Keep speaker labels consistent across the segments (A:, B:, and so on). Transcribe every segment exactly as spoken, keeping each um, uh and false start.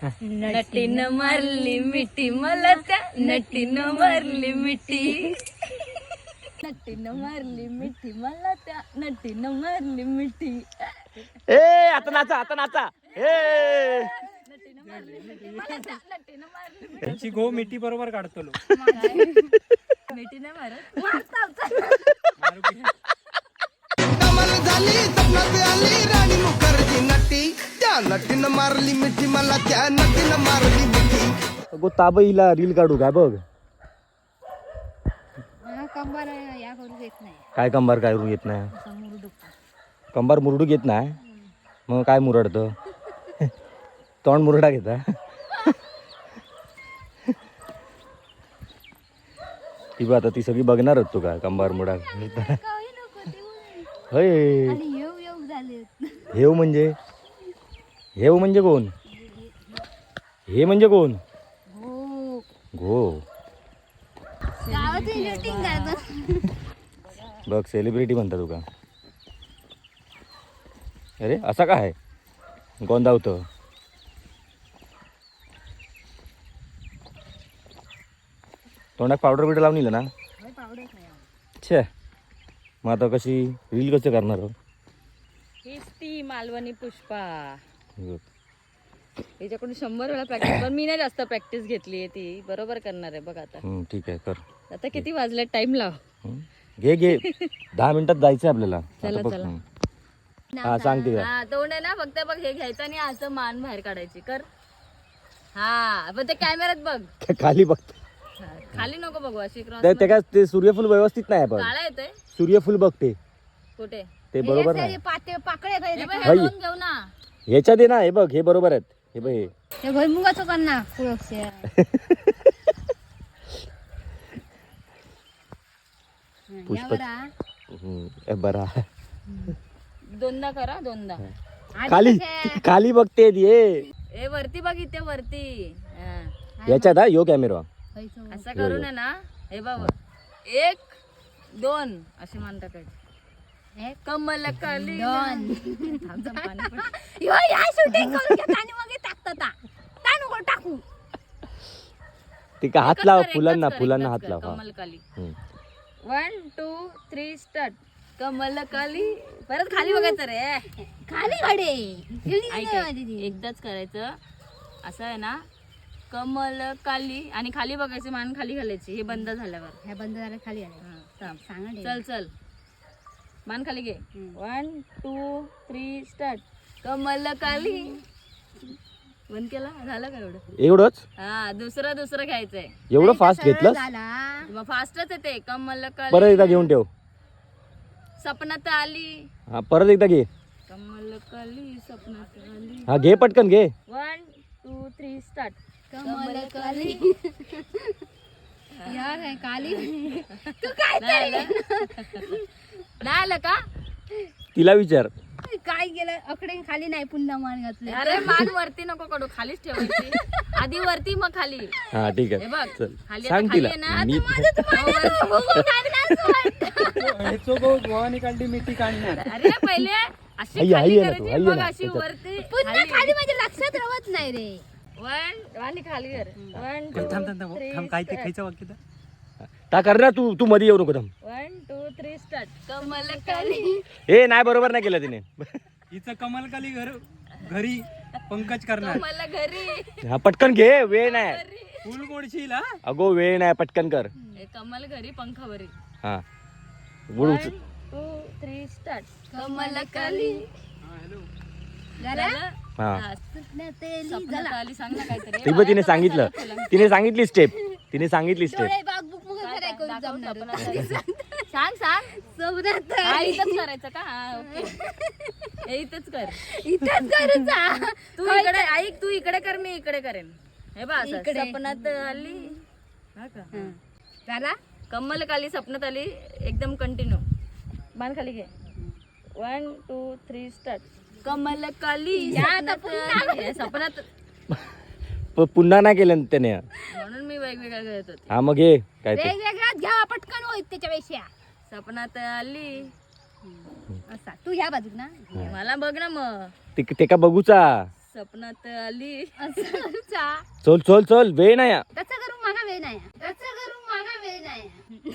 A: नटीनं मारली मिठी मला त्या नटीनं मारली मिठी नटीनं मारली मिठी मला त्या नटीनं मारली मिठी.
B: ए आता नाचा आता नाचा. ए
A: नटीनं मारली मिठी मला त्या नटीनं मारली मिठी.
C: त्यांची गो मिठी बरोबर काढतो लो.
A: मिठी नाही मारत
C: मारू की?
D: कमल झाली सपनात आली राणी मुखर्जी नटी त्या नटीनं मारली मिठी मला त्या नटीनं मारली मिठी.
B: गो ताब हिला रील काढू काय बघ.
A: कंबार या करू येत नाही.
B: काय कंबार काय करू येत नाही. कंबार मुरडू घेत नाही मग काय मुरडतं. तोंड मुरडा घेता. ती बघ आता ती सगळी बघणारच तू काय कंबार मुडा. होय हेव म्हणजे हेव म्हणजे कोण. हे म्हणजे कोण. गो बघ सेलिब्रिटी म्हणता तुका. अरे असा काय गोंदावतं. तोंडात पावडर बिडर लावून ना. छे मग आता कशी रील कसं करणार.
A: हीच ती मालवणी पुष्पा. याच्याकडून शंभर वेळा प्रॅक्टिस पण मी नाही जास्त प्रॅक्टिस घेतली आहे. ती बरोबर करणार आहे बघ आता.
B: हम्म, ठीक आहे कर.
A: आता किती वाजले टाइम लाव.
B: हम्म. घे घे दहा मिनिटात जायचंय आपल्याला.
A: चला,
B: आता बघ.
A: चला.
B: हम्म. हा सांगते का.
A: हा तोंड आहे ना फक्त बघ हे घ्यायचं आणि असं मान बाहेर काढायची कर. हा पण ते कॅमेऱ्यात बघ.
B: खाली बघ.
A: हा, खाली नको बघू अशी क्रॉस.
B: ते ते काय ते सूर्यफूल व्यवस्थित नाही पण.
A: काळा येतोय
B: सूर्यफूल बघते
A: कुठे.
B: ते बरोबर नाही.
A: पाकळे
B: हाई.
A: दोन घेऊ ना.
B: ह्याच्यात आहे ना हे बघ हे बरोबर आहेत. हे बघ हे.
A: हे भुईमुगाचं कर ना पुढं.
B: पुष्प हम्म, ए, बरा
A: दोनदा करा दोनदा.
B: खाली खाली बघते ये.
A: ए वरती बघ इथे वरती. हा.
B: याच्यात हा यो कॅमेरा.
A: असं करून आहे ना हे बघ एक दोन अशी मान टाकायची. कमल काली टाकू.
B: ते का हात लाव फुलांना फुलांना हात लाव.
A: कमल काली.
B: हम्म.
A: One two three start. कमल काली परत खाली बघायचं रे. खाली घडे एकदाच करायचं असं आहे ना. कमल काली आणि खाली बघायची मान खाली घालायची. हे बंद झाल्यावर हे बंद झालं खाली सांग. चल चल मान खाली घे. One two three start. कमल काली बंद केला झालं का एवढं.
B: एवढंच
A: हा दुसरं दुसरं घ्यायचंय.
B: एवढं फास्ट घेतलं.
A: मग फास्टच येते. कमल
B: परत
A: काली
B: एकदा घेऊन ठेव.
A: सपनात आली.
B: हा परत एकदा घे.
A: कमल काली सपनात आली.
B: हा घे पटकन घे.
A: One two three start. कमल काली यार है काली. तू काय नाही आलं का.
B: तिला विचार.
A: काय गेलं अकडे खाली नाही पुन्हा मान घातले. अरे मान वरती नको कडू खालीच ठेवायची. आधी वरती मग खाली.
B: हा ठीक
A: हे
B: आहे
A: बघ
B: चल
A: खाली
B: सांग
A: आता
B: तिला.
A: खाली आहे ना.
B: मी
C: ह्याचो गो गोवानी काढली मिठी काढणार.
A: अरे पहिले अशी
B: आई-
A: खाली
B: आई आहे ना तू,
A: करायची
B: आई आहे
A: मग
B: ना
A: अशी
B: त्याच्यात.
A: वरती पुन्हा खाली म्हणजे लक्षात राहत नाही रे. वन आणि खाली कर. वन
C: थांब थांब थांब थांब काय ते खायचं वाक्य तर.
B: ता कर ना तू तू मध्ये येऊ नको थांब.
A: One two three start. कमल काली.
B: ए नाही बरोबर नाही केलं तिने.
C: हिचं कमल काली घर घरी पंकज करणार.
A: कमल घरी.
B: हा पटकन घे वेळ नाही.
C: फुल मोडशील हा.
B: अगो वेळ नाही पटकन कर.
A: हे कमल घरी पंखावरी.
B: हा बुडू.
A: One two three start. कमल काली. झालं?
B: हा
A: हा. सपनात आली सांग ना काहीतरी.
B: ती पण तिने सांगितलं. तिने सांगितली स्टेप. तिने सांगितली स्टेप.
A: सांग सांग. हा, इथंच करायचं का. हा ओके हे इथंच कर. इथंच कर. तू इकडे ऐक. तू इकडे कर मी इकडे करेन. हे बघ असं. सपनात आली. हा का झाला. कमल काली सपनात आली एकदम कंटिन्यू. मान खाली घे. One two three start. कमल काली सपनात आली. सपनात
B: प- पुन्हा नाही केलं त्याने.
A: म्हणून मी वेगवेगळ्या करत होते.
B: हा मग घे काय ते.
A: वेगवेगळ्याच घ्या पटकन होईल त्याच्यापेक्षा. सपनात आली. असा तू ह्या बाजूक ना. मला बघ ना मग.
B: ते ते का बघूचा.
A: सपनात आली
E: असं चा.
B: चल चल चल वेळ नाही हा.
E: त्याचा करून मागा वेळ नाही त्याचा करून मागा वेळ नाही.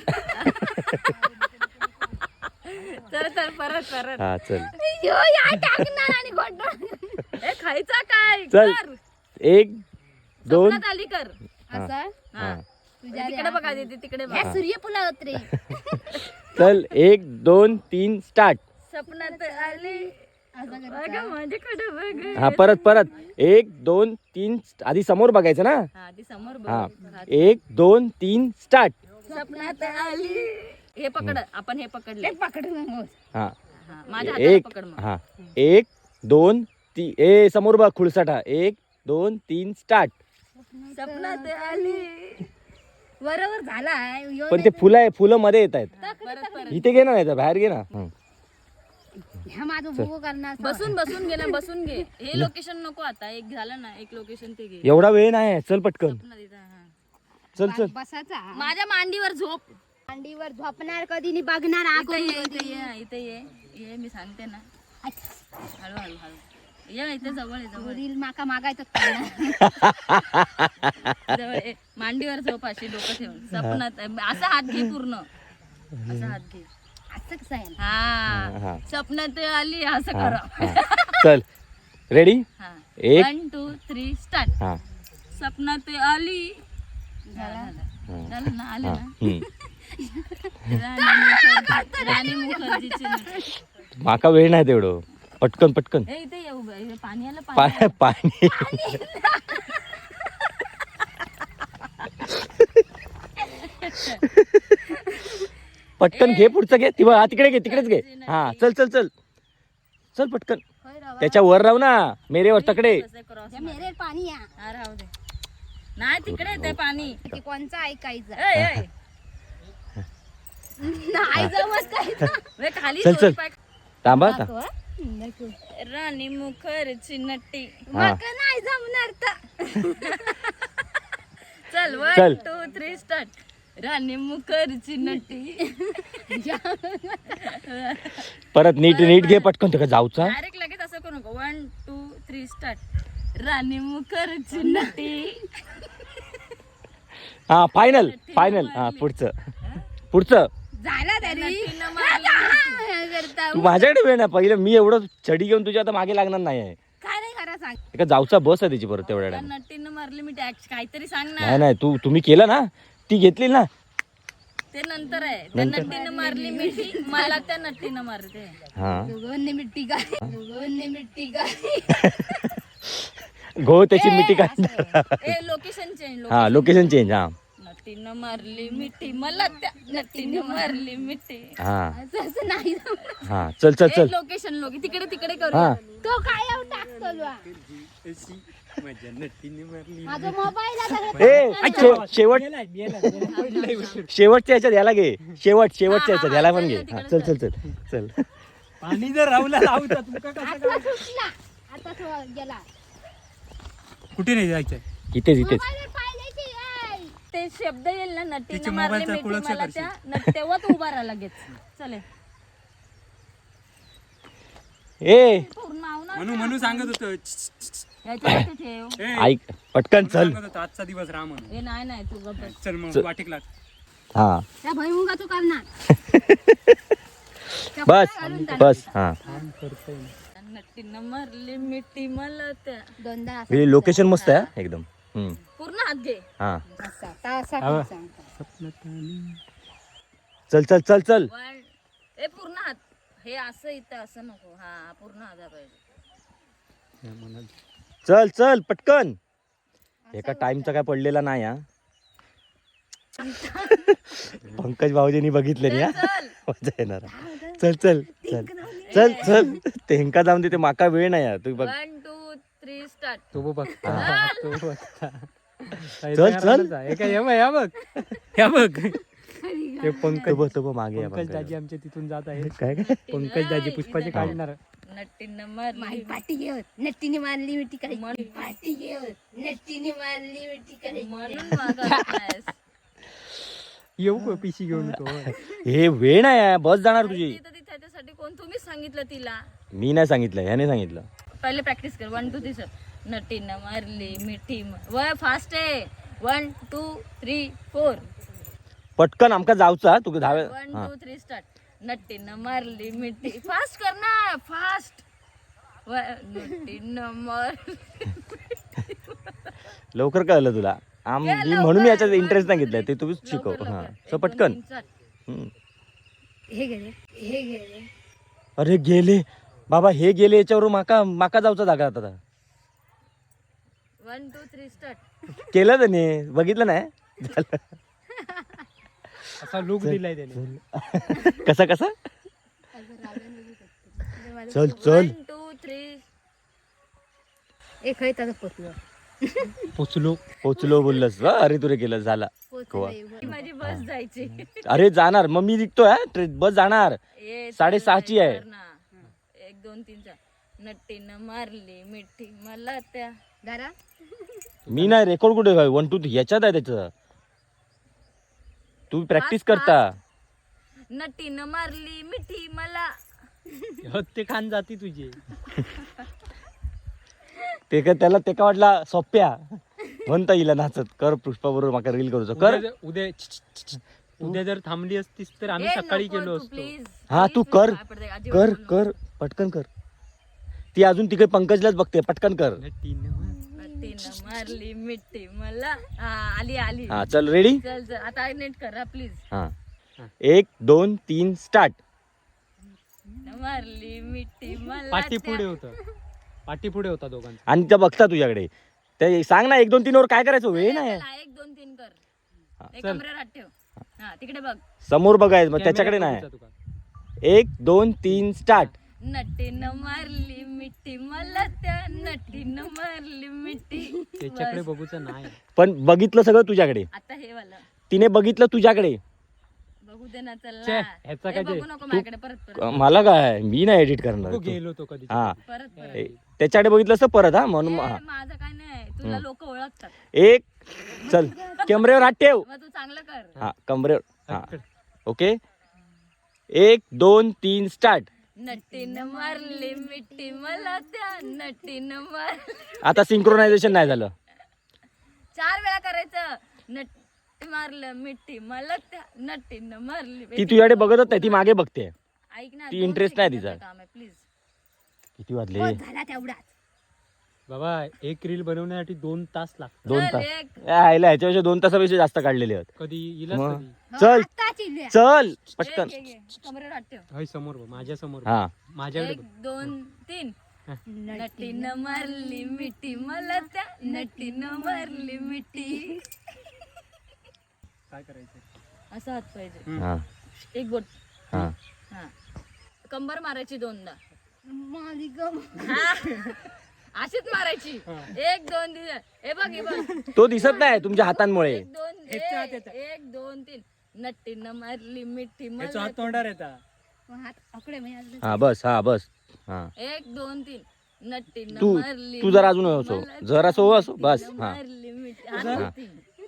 A: चल चल परत परत
B: हा चल
E: यो या टाकणार आणि घोटणार.
A: ए खायचा काय
B: चल.
A: कर.
B: एक दोन
A: सपनात आली कर
E: असं
B: हा
E: तुझ्या
A: तिकडे बघा दीदी तिकडे
E: ह्या
A: बघा
E: सूर्यफुला होत रे.
B: चल एक दोन तीन स्टार्ट.
A: सपनात आली
E: असं
A: बघ
E: करायचं.
A: माझ्याकडे बघ
B: हा परत परत एक दोन तीन आधी समोर बघायचं ना.
A: हा ती समोर
B: हा
A: बघ
B: एक दोन तीन स्टार्ट.
A: सपनात आली हे पकड आपण हे पकडले
E: ते पकडू नको.
B: हा
A: हा, माझ्या हाताला
B: एक
A: पकड मग
B: हा एक दोन तीन ए समोर बघ खुळसाठा एक दोन तीन स्टार्ट.
A: सपनात आली
E: बरोबर झालाय. यो
B: पण ते फुलं आहे फुलं मध्ये येत आहेत.
A: परत परत
B: इथे घे ना नाही तर बाहेर घे ना. हं.
E: ह्या माझं भोगो करणार.
A: बसून बसून घे ना बसून घे हे लोकेशन नको आता एक झालं ना एक लोकेशन ते घे
B: एवढा वेळ नाही आहे. चल पटकन
A: सपनात इथं, हा.
B: चल चल.
E: बसायचा
A: माझ्या मांडीवर झोप
E: मांडीवर झोपणार कधी नि बघणार
A: इथे
E: आकून
A: ये इथे
E: कधी.
A: ये इथे ये ये मी सांगते ना हळू हळू हळू ये इथे जवळ आहे जवळ आहे.
E: रील माका मागायचं करणार.
A: जवळ ये. मांडीवर झोप अशी डोकं ठेवून सपनात असा हात घे पूर्ण असा हात घे
E: असं कसं आहे ना?
A: हा
B: हा
A: सपनात आली असं
B: हा,
A: करा
B: हा. चल रेडी
A: हा
B: एक.
A: वन टू थ्री स्टार्ट
B: हा
A: सपनात आली झालं झालं. झालं ना आले
B: हा
A: ना
B: हं.
A: राणी मुखर्जी राणी मुखर्जीची नट.
B: माका वेळ नाही तेवढं पटकन पटकन.
A: ए इथे येऊ बा, इथे पाणी आलं पाणी
B: पाय पाणी पटकन घे पुढचं घे ती बघ, हा तिकडे घे तिकडेच घे. हा चल चल चल चल पटकन
E: होय राव.
B: त्याच्या वर राहू ना मेरेवर तकडे.
A: कसं cross
E: या मेरे पाणी या.
A: हा राहू दे नाही तिकडे येते पाणी
E: ते कोणचं ऐकायचं
A: ए, ए.
E: नाही जमत काय.
A: वे खाली
B: चल,
A: दोन
B: चल.
A: पाय-
B: थांबा आता.
A: राणी मुखर्जी नट्टी
B: हा
E: माका नाही जमणार तर.
A: चल
B: चल.
A: One two three start Rani Mukherjee नट्टी
B: परत नीट नीट घे पटकन तुका जाऊचा.
A: डायरेक्ट लगेच असं करू नको one two three start Rani Mukherjee नट्टी
B: हा फायनल फायनल हा पुढचं पुढचं.
E: झाला तरी
A: नट्टीनं मारली.
E: करता.
B: तू माझ्याकडे वेळ नाही पहिलं मी एवढं छडी घेऊन तुझ्या आता मागे लागणार नाही आहे.
E: काय नाही करा सांग.
B: एका जाऊचा बस आहे त्याची परत तेवढ्या
A: त्या
B: time.
A: नट्टीनं मारली मी टॅक्स काहीतरी सांग ना
B: नाही नाही तू तुम्ही केलं ना ती घेतली ना.
A: ते नंतर आहे त्या नट्टीनं मारली मिठी मला त्या नट्टीनं मारते
B: हा
E: दोघांनी मिट्टी काय दोघांनी मिट्टी काय.
B: गो त्याची मिठी काढ.
A: ए लोकेशन चेंज
B: हा लोकेशन चेंज. हा
A: नट्टीनं मारली मिठी मला त्या नट्टीनं मारली मिठी
B: हा
E: असं असं नाही जमणार.
B: हा चल चल चल.
A: लोकेशन लोक तिकडे तिकडे करू
B: हा
E: तो काय येऊ टाकतो लवा.
C: अशी माझ्या नट्टीने मारली.
E: माझा मोबाईल आता
B: ए शे- शेवट शेवटच्या ह्याच्यात याला घे शेवट शेवटच्या ह्याच्यात याला पण घे. हा, चल चल चल चल.
C: पाणी जर राहुला लावता तुमका कसं
E: आता सुटला आता तो गेला.
C: कुठे नाही जायचं.
B: इथेच इथेच.
E: मोबाईलवर पाय द्यायची, ऐ.
A: ते शब्द येईल ना नट्टीनं
C: तिच्या
A: मारली
C: मोबाईलचा
A: मिठी
C: कुळक
A: मला
C: करशील.
A: त्या नट- तेव्हा तू उभा राहा लगेच चले
B: ए
A: पूर्ण नाव ना
C: म्हणून म्हणून सांगत होतं
A: याच्यावरती ठेव
C: ए,
B: ऐक पटकन चल.
C: सांगत होतं, आजचा दिवस राहा म्हणून.
A: ए नाही नाही तू गप्प बस.
C: चल मग
B: चल.
C: वाटेक लाग.
B: हा
E: त्या भुईमुगा तू करणार.
B: बस बस हा.
A: नट्टीनं मारली मिठी मला त्या
E: दोनदा असं
B: लोकेशन मस्त आहे हा, एकदम. हम्म.
A: पूर्ण हात घे
B: हा
E: असा तासा पण सांगतो.
B: चल चल चल चल.
A: वन ए पूर्ण हात हे असं इथं असं नको हा पूर्ण हात पाहिजे
B: चल चल पटकन. एका टाइमचा काय पडलेला नाही हा. पंकज भाऊजींनी बघितले नाही हा.
A: चल
B: मजा येणार हा. चल चल चल चल चल तेंका जाऊन दे ते माका वेळ नाही यार. तू बघ
A: वन टू थ्री स्टार्ट
C: तो बघ
B: हा.
C: तो बघ.
B: चल चल.
C: हे काय या बघ या बघ या बघ. ते पंकज
B: तो बघ तो बघ मागे या
C: पंकज
B: पंकज.
C: दाजी आमच्या तिथून जात आहे.
B: काय काय
C: पंकज दाजी पुष्पाचे काढणार.
A: नट्टीनं मारली
E: माई पाटी घेऊन नट्टीने मारली मिठी काय पाटी घेऊन नट्टीने मारली मिठी काय.
A: म्हणून मागास
C: येऊ का पिशी घेऊन तो.
B: हे वेळ नाही आहे. बस जाणार तुझी.
A: तिथं ती त्याच्यासाठी कोण तुम्हीच सांगितलं तिला
B: मी नाही सांगितलं ह्याने सांगितलं.
A: पहिले प्रॅक्टिस कर वन टू थ्री नटीनं मारली मिठी म- वय फास्ट आहे. One two three four.
B: पटकन आमका जाऊचा तू धावे.
A: वन
B: हा
A: टू थ्री स्टार्ट. नटीनं मारली मिठी. फास्ट कर ना फास्ट. नटीनं मारली.
B: लवकर कळलं तुला. आम मी म्हणून मी याच्यात इंटरेस्ट नाही घेतलाय ते तुम्हीच शिकव.
A: लवकर,
B: हा
A: लवकर.
B: सो
A: एक, दोन,
B: पटकन.
A: तीन, start.
B: हम्म.
E: हे गेले हे गेले
B: अरे गेले बाबा हे गेले याच्यावर माका माका जाऊचा जागा आता.
A: One two three start.
B: केलं त्याने बघितलं नाही झालं.
C: असा लुक दिलाय त्याने.
B: कसा कसा चल चल
A: वन टू थ्री.
E: एक आहे त्याचा पोचलो
C: पोचलो.
B: पोचलो बोललंस वा अरे तुरे केलं झाला.
E: पोचले
A: माझी बस जायची.
B: अरे जाणार मग मी निघतोय हा. ट्रेन बस जाणार
A: ए,
B: साडेसहाची
A: चल,
B: आहे.
A: कर ना. एक दोन तीन चार. नटीनं मारली मिठी मला त्या.
E: दादा
B: मी नाही रेकॉर्ड कुठे वन टू याच्यात आहे त्याचं. तू प्रॅक्टिस करता.
A: नटीनं मारली मिठी मला.
C: ते खान जाती तुझी.
B: ते का त्याला ते का वाटला सोप्या म्हणता येईल नाचत कर पुष्पा बरोबर माका रील करूच कर.
C: उद्या उद्या छ, छ, छ, उद्या जर थांबली असतीस तर आम्ही
A: ए,
C: सकाळी
A: नको
C: गेलो
A: तू,
C: असतो.
A: please.
B: हा
A: Please,
B: तू
A: please,
B: कर
A: पाय पडते, अजिबात
B: कर
A: बोलू नको.
B: कर पटकन कर. ती अजून तिकडे पंकजलाच बघते पटकन कर.
A: नटीनं मारली मिठी मला. हा आली आली.
B: हा चल रेडी.
A: चल चल आता नेट कर प्लीज.
B: हा एक दोन तीन स्टार्ट.
A: मारली मिठी मला
C: पाठी
A: त्या.
C: पुढे होतं. पाठी पुढे होता दोघांचा.
B: आणि त्या बघता तुझ्याकडे ते सांग ना एक दोन तीन वर काय करायचं वेळ नाही.
A: चल, हा, एक दोन तीन कर. एक
C: चल.
A: कमरेवर हात ठेव. हा तिकडे बघ.
B: समोर बघायचं मग त्याच्याकडे
C: कॅमेरा
B: नाही.
C: बघूचा तुका.
B: एक दोन तीन स्टार्ट.
A: नटीनं मारली मिठी मला त्या. नटीनं मारली मिठी.
C: त्याच्याकडे
A: बस.
C: बघूचं नाही.
B: पण बघितलं सगळं तुझ्याकडे.
A: आता हे वाला
B: तिने बघितलं तुझ्याकडे.
A: बघू दे ना चल
C: छे,
A: ना.
C: ह्याचा
A: ए,
C: काय
A: बघू
C: ते?
A: नको माझ्याकडे परत परत
B: मला काय मी नाही एडिट करणार.
C: तो गेलो तो कधी.
B: हा
A: परत परत.
B: ए, त्याच्याकडे बघितलं असतं परत हा म्हणून
A: ए,
B: हा.
A: माझं काय नाही तुला लोक ओळखतात.
B: एक चल कमरेवर हात ठेव.
A: मग तू चांगलं कर.
B: हा कमरेवर हा ओके. एक दोन तीन स्टार्ट.
A: नटीनं मारली मिठी मला त्या. नटीनं मार.
B: आता सिंक्रोनायझेशन नाही झालं.
A: चार वेळा करायचं. नट मारलं मिठी मला त्या. नटीनं मारली
B: ती तुझ्याकडे बघतच नाही ती मागे बघते.
A: ऐक ना
B: ती
A: दोन
B: interest नाही
A: सेकंदाचं
B: तिचा.
A: काम आहे प्लीज.
B: किती वाजले
E: झाला तेवढाच
C: बाबा एक रील बनवण्यासाठी दोन तास लागतात.
B: दोन
A: चल,
B: तास
A: एक.
B: यायला ह्याच्यापेक्षा दोन तासापेक्षा जास्त काढलेले आहेत.
C: कधी येईलच
B: मग.
C: कधी.
B: चल
E: आत्ताच इल्ल्या.
B: चल
A: एक,
B: पटकन.
A: एक, एक. कमरेवर हात ठेव.
C: हय समोर बघ, माझ्या समोर बघ.
B: हा
C: माझ्याकडे
A: एक
C: बघ.
A: दोन तीन. नटीनं मारली मिठी मला त्या. नटीनं मारली मिठी.
C: काय करायचं.
A: असं हात पाहिजे.
B: हा
A: एक बोट.
B: हा
A: हा कंबर मारायची दोनदा.
E: माझी गम
A: हा. अशीच मारायची. एक दोन तीन. हे बघ हे बघ.
B: तो दिसत नाही तुमच्या हातांमुळे.
A: एक दोन
C: ह्याच्या हात
A: एक
C: येतं.
A: एक, दोन तीन. नटीनं मारली मिठी
C: याचा
A: मला.
C: हात तोंडावर येता.
E: हात आकडे म्हणजे
B: हा बस हा बस हा
A: एक दोन तीन. नटीनं
B: तू
A: मारली
B: तू जरा अजून असो
A: मला.
B: जरा सो असो बस
A: नटीनं
B: हा
A: मारली मिठी. हात वरती.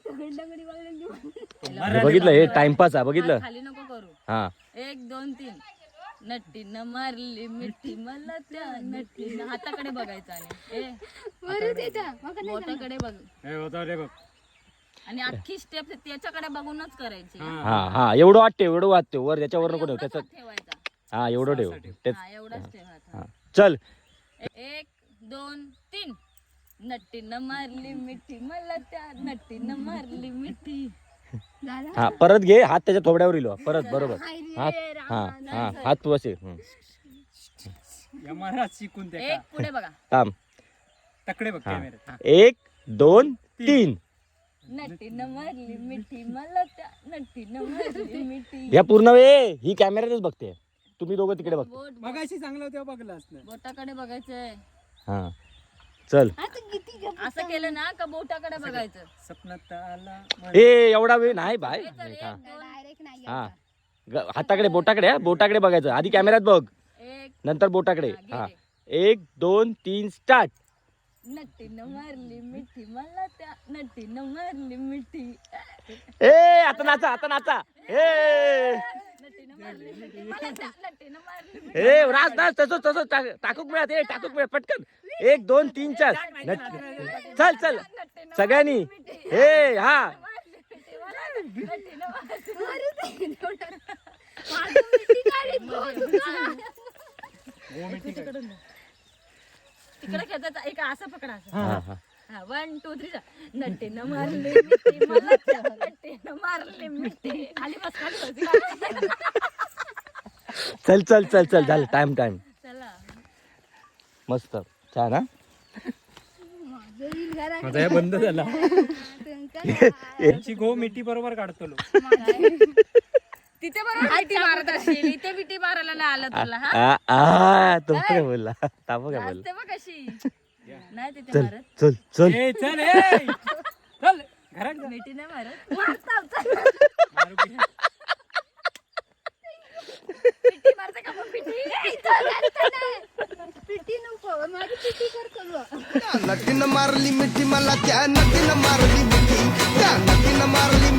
B: हे बघितलं हे टाइमपास आहे बघितलं.
A: हात खाली नको करू.
B: हा
A: एक दोन तीन. नटीनं मारली मिठी मला त्या. नटीनं हाताकडे बघायचं आणि ए,
E: बरं देता मग नाही
A: बोटाकडे बघ.
C: हे होता रे बघ.
A: आणि अख्खी स्टेप त्याच्याकडे बघूनच करायची.
B: हा हा एवढं वाटते एवढं वाटते वर याच्यावर नको ठेव
A: एवढाच
B: त्याचं.
A: हात ठेवायचा.
B: हा एवढं ठेव तेच
A: हा एवढाच ठेवायचा.
B: हा चल.
A: एक दोन तीन. नटीनं मारली मिठी मला त्या. नटीनं मारली मिठी.
E: झाला
B: हा परत घे हात त्याच्या थोबड्यावर इलो परत बरोबर. हात
A: रे
B: हा
A: रामा,
B: हा हात तू असे हं.
C: या महाराज शिकून त्या
A: एक पुढे बघा.
B: थांब.
C: तकडे बघ
B: हा.
C: कॅमेऱ्यात.
B: एक दोन तीन.
A: नटीनं मारली मिठी मला त्या. नटीनं मारली मिठी.
B: या पूर्ण वेळ ही कॅमेऱ्यातच बघते. तुम्ही दोघं तिकडे बघ.
A: बोट
C: मगाशी चांगलं तेव्हा बघलं असतं.
A: बोटाकडे बघायचंय.
B: हा चल.
E: आता किती गप
A: असं केलं ना का बोटाकडे बघायचं.
C: सपनात आला
B: ए एवढा वेळ नाही बाय.
A: हे चल,
B: हा
A: एक दोन
E: डायरेक्ट नाही
B: हा ग- हाताकडे बोटाकडे हा बोटाकडे बघायचं आधी कॅमेऱ्यात बघ
A: एक.
B: नंतर बोटाकडे.
A: हा,
B: हा
A: गेले.
B: एक दोन तीन स्टार्ट.
A: नटीनं मारली मिठी मला त्या. नटीनं मारली मिठी.
B: ए आता नाचा आता नाचा. ए
A: नटीनं मारली मिठी मला त्या. नटीनं मारली मिठी.
B: ए राज नाच तसंच तसंच टाकूक मिळत ए टाकूक मिळत पटकन एक दोन तीन चार नट- चल चल सगळ्यांनी हे हा
E: माझं मिठी काढीत बघ तुला.
A: तिकडे खेळतात एक असं पकडा असं.
B: हा हा
A: हा वन टू थ्री नट्टेनं मारले मिठी मला त्या नट्टेनं मारले मिठी खाली बस खाली बस
B: चल चल चल चल झालं टाइम टाइम
A: चला
B: मस्त छान हा
E: माझं रील घरात
C: माझा हे बंद झाला
E: तुमचं
C: त्यांची गो मिठी बरोबर काढतो लो.
A: तिथे बरोबर मिठी मारत असेल इथे मिठी मारायला नाही आलं तुला हा
B: आ आ तो काय बोलला तापो काय बोलला
A: असते मग कशी नाही तिथे
B: चल
A: मारत
B: चल चल
C: ए चल ए चल घरात जा.
A: मिठी नाही मारत
C: मारू की.
A: मिठी मारते का मग मिठी
E: पिटी नको माझी पिटी कर करू
D: त्या नटीनं मारली मिठी मला त्या नटीनं मारली मिठी त्या नटीनं मारली